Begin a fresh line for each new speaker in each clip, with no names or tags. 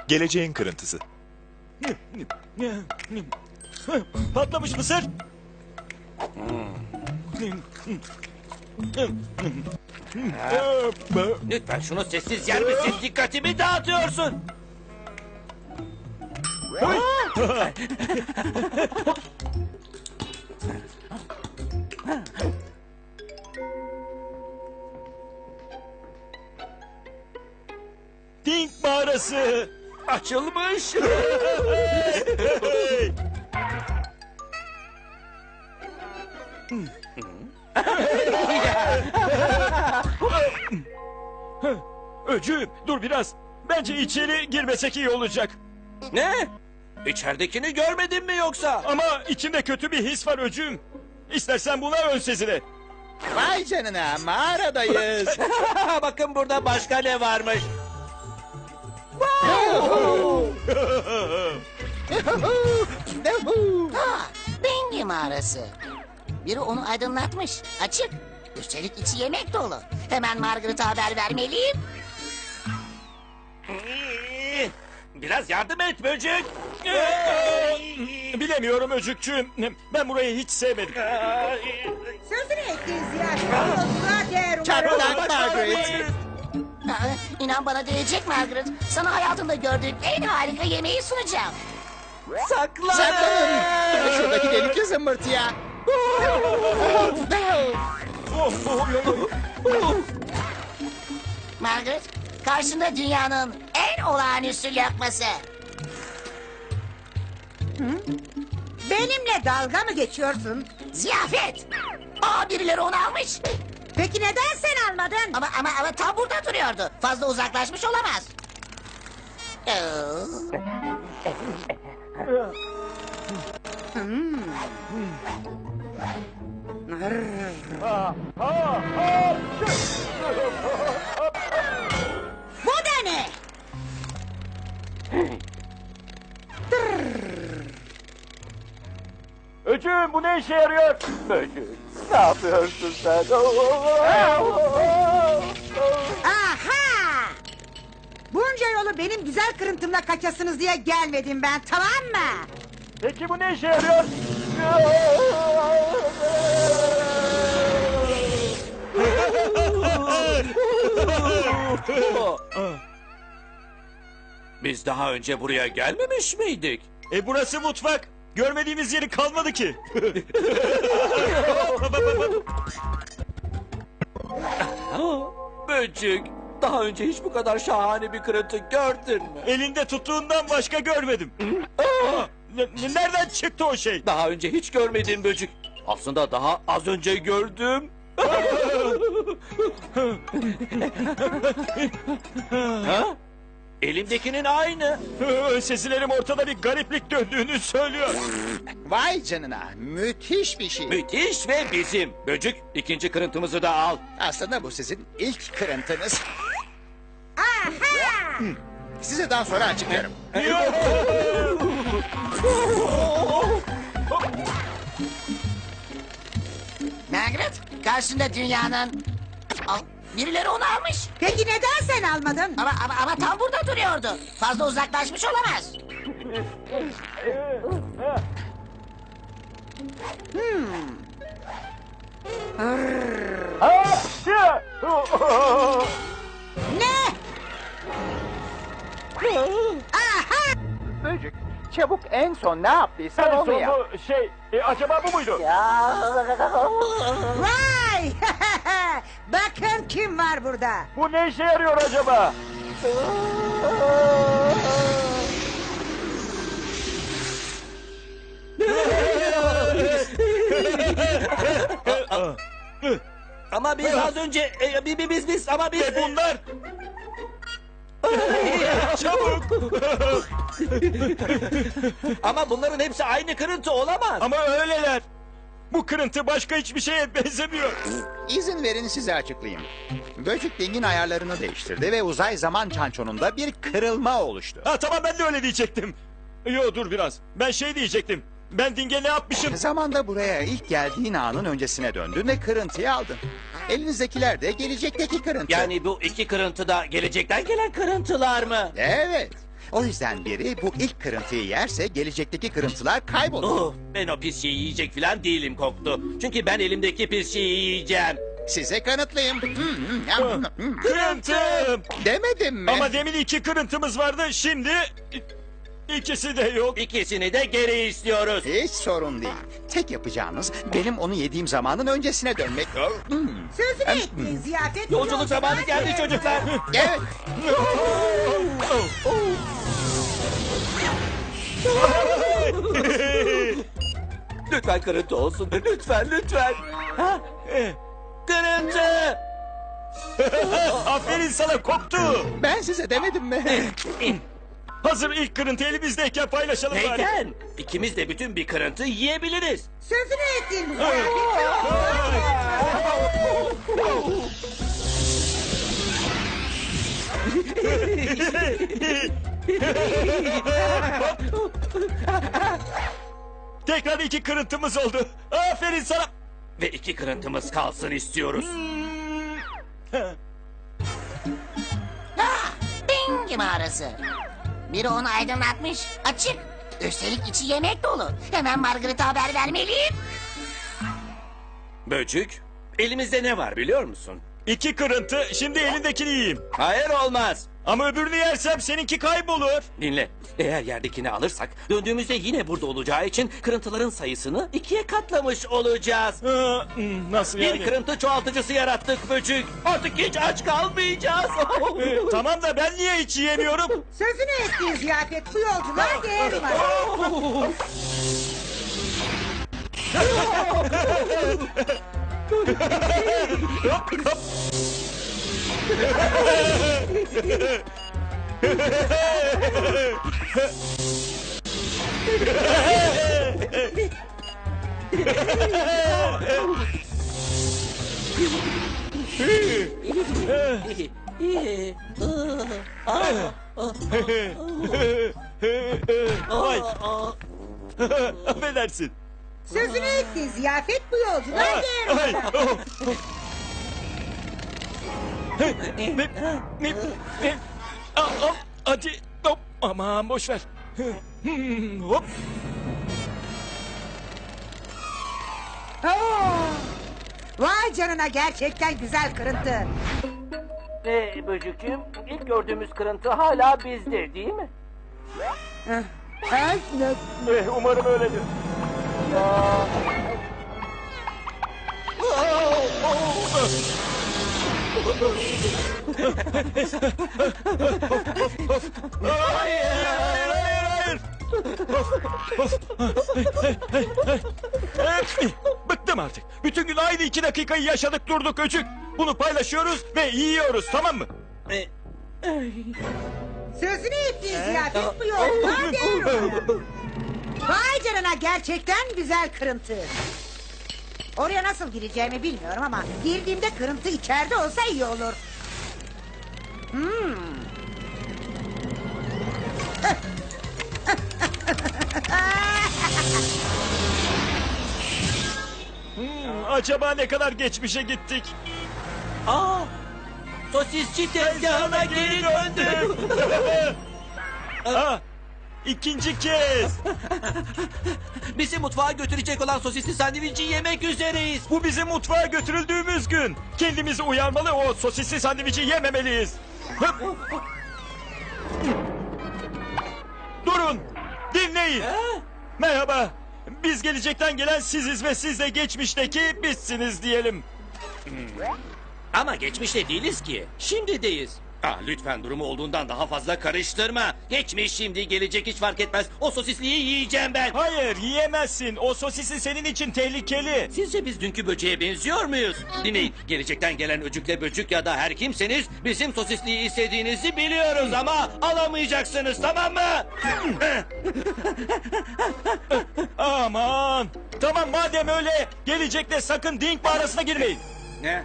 Geleceğin kırıntısı.
Patlamış mısır.
Lütfen şunu sessiz yer misin? Dikkatimi dağıtıyorsun.
Dink mağarası.
Açılmış.
Öcü dur biraz. Bence içeri girmesek iyi olacak.
Ne? İçeridekini görmedin mi yoksa?
Ama içimde kötü bir his var öcüm. İstersen buna ön sezile.
Vay canına, mağaradayız.
Bakın burada başka ne varmış.
Dengi mağarası. Biri onu aydınlatmış. Açık. Üstelik içi yemek dolu. Hemen Margaret'a haber vermeliyim.
Biraz yardım et böcek.
Bilemiyorum öcükçüğüm. Ben burayı hiç sevmedim.
Sözünü ettiğin ziyaret yolculuğa değer umarım.
Çatlak Margaret.
Aa, İnan bana değecek Margaret. Sana hayatımda gördüğüm en harika yemeği sunacağım.
Saklanın. Şuradaki delikli zımbırtıya.
Margaret, karşında dünyanın en olağanüstü lokması.
Benimle dalga mı geçiyorsun?
Ziyafet. Birileri onu almış.
Peki neden sen almadın?
Ama tam burada duruyordu. Fazla uzaklaşmış olamaz.
Bu da ne?
Öcüğüm bu ne işe yarıyor?
Aha! Bunca yolu benim güzel kırıntımla kaçasınız diye gelmedim ben, tamam mı?
Peki bu ne işe yarıyor?
Biz daha önce buraya gelmemiş miydik?
Burası mutfak. Görmediğimiz yeri kalmadı ki.
Böcek, daha önce hiç bu kadar şahane bir kırıntı gördün mü?
Elinde tuttuğundan başka görmedim. Nereden çıktı o şey?
Daha önce hiç görmediğim böcek. Aslında daha az önce gördüm. Ha? Elimdekinin aynı.
Sesilerim ortada bir gariplik döndüğünü söylüyor.
Vay canına, müthiş bir şey.
Müthiş ve bizim. Böcek, ikinci kırıntımızı da al.
Aslında bu sizin ilk kırıntınız.
Aha!
Size daha sonra açıklarım.
Margaret, karşında dünyanın... Birileri onu almış.
Peki neden sen almadın?
Ama tam burada duruyordu. Fazla uzaklaşmış olamaz.
Ne? Aha!
Böcük, çabuk en son ne yaptıysan onu yap.
Acaba bu muydu?
Vay! Bakın kim var burada.
Bu ne işe yarıyor acaba?
Ama biz az önce... biz...
Bunlar! Çabuk!
Ama bunların hepsi aynı kırıntı olamaz.
Ama öyleler. Bu kırıntı başka hiçbir şeye benzemiyor.
İzin verin size açıklayayım. Böcek dingin ayarlarını değiştirdi ve uzay zaman çançonunda bir kırılma oluştu.
Tamam ben de öyle diyecektim. Yo dur biraz. Ben şey diyecektim. Ben Ding'e ne yapmışım?
Zamanda buraya ilk geldiğin anın öncesine döndün ve kırıntıyı aldın. Elinizdekiler de gelecekteki kırıntı.
Yani bu iki kırıntı da gelecekten gelen kırıntılar mı?
Evet. O yüzden biri bu ilk kırıntıyı yerse gelecekteki kırıntılar kaybolur.
Oh, ben o pis şeyi yiyecek falan değilim Koktu. Çünkü ben elimdeki pis şeyi yiyeceğim.
Size kanıtlayayım.
Kırıntım.
Demedim mi?
Ama demin 2 kırıntımız vardı. Şimdi ikisi de yok.
İkisini de geri istiyoruz.
Hiç sorun değil. Tek yapacağınız benim onu yediğim zamanın öncesine dönmek.
Sözünü ettiğin ziyafet...
Yolculuk zamanı geldi çocuklar.
Evet.
Lütfen kırıntı olsun. Lütfen, lütfen. Ha? Kırıntı.
Aferin sana Koktu.
Ben size demedim mi?
Hazır ilk kırıntı elimizdeyken paylaşalım bari.
Neyden? İkimiz de bütün bir kırıntı yiyebiliriz.
Sözünü ettiğin ziyafet...
Tekrar 2 kırıntımız oldu. Aferin sana.
Ve 2 kırıntımız kalsın istiyoruz.
Bengi mağarası. Biri onu aydınlatmış. Açık. Üstelik içi yemek dolu. Hemen Margaret'a haber vermeliyim.
Böcük, elimizde ne var biliyor musun?
2 kırıntı. Şimdi elindekini yiyeyim.
Hayır olmaz.
Ama öbürünü yersem seninki kaybolur.
Dinle. Eğer yerdekini alırsak döndüğümüzde yine burada olacağı için kırıntıların sayısını 2'ye katlamış olacağız.
Nasıl
Bir
yani?
kırıntı çoğaltıcısı yarattık Böcük. Artık hiç aç kalmayacağız.
Tamam da ben niye hiç yiyemiyorum?
Sözünü ettiğin ziyafet bu yolculuğa değer var.
Vay. Affedersin.
Sözünü ettiğin ziyafet bu yolculuğa değer
Ay,
var.
oh. Hadi. Hop. Aman boş ver. Hop.
Oo! Vay canına, gerçekten güzel kırıntı.
Böcükçüğüm, ilk gördüğümüz kırıntı hala bizde değil mi?
Umarım öyledir. Hayır, hayır. Bıktım artık. Bütün gün aynı 2 dakikayı yaşadık durduk Öcük. Bunu paylaşıyoruz ve yiyoruz, tamam mı?
Sözünü ettiğin ziyafet bu yolculuğa değer var. Vay canına, gerçekten güzel kırıntı. Oraya nasıl gireceğimi bilmiyorum ama girdiğimde kırıntı içeride olsa iyi olur.
Acaba ne kadar geçmişe gittik?
Aa! Sosisçi tezgahına geri döndük.
Ha, ikinci kez.
Bizi mutfağa götürecek olan sosisli sandviçi yemek üzereyiz.
Bu bizim mutfağa götürüldüğümüz gün. Kendimizi uyarmalı, o sosisli sandviçi yememeliyiz. Hıp. Durun, dinleyin. Merhaba, biz gelecekten gelen siziz ve siz de geçmişteki bizsiniz diyelim.
Ama geçmişte değiliz ki. Şimdideyiz. Lütfen durumu olduğundan daha fazla karıştırma. Geçmiş, şimdi, gelecek hiç fark etmez. O sosisliği yiyeceğim ben.
Hayır, yiyemezsin. O sosisi senin için tehlikeli.
Sizce biz dünkü böceğe benziyor muyuz? Dinleyin, gelecekten gelen öcükle böcük ya da her kimseniz bizim sosisliği istediğinizi biliyoruz ama alamayacaksınız, tamam mı?
Aman. Tamam, madem öyle, gelecekte sakın Dink mağarasına girmeyin.
Ne?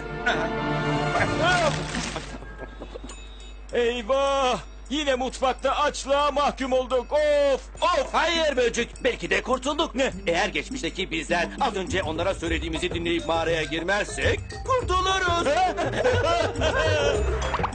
Eyvah! Yine mutfakta açlığa mahkum olduk. Of! Of!
Hayır böcük, belki de kurtulduk.
Ne?
Eğer geçmişteki bizler az önce onlara söylediğimizi dinleyip mağaraya girmezsek kurtuluruz.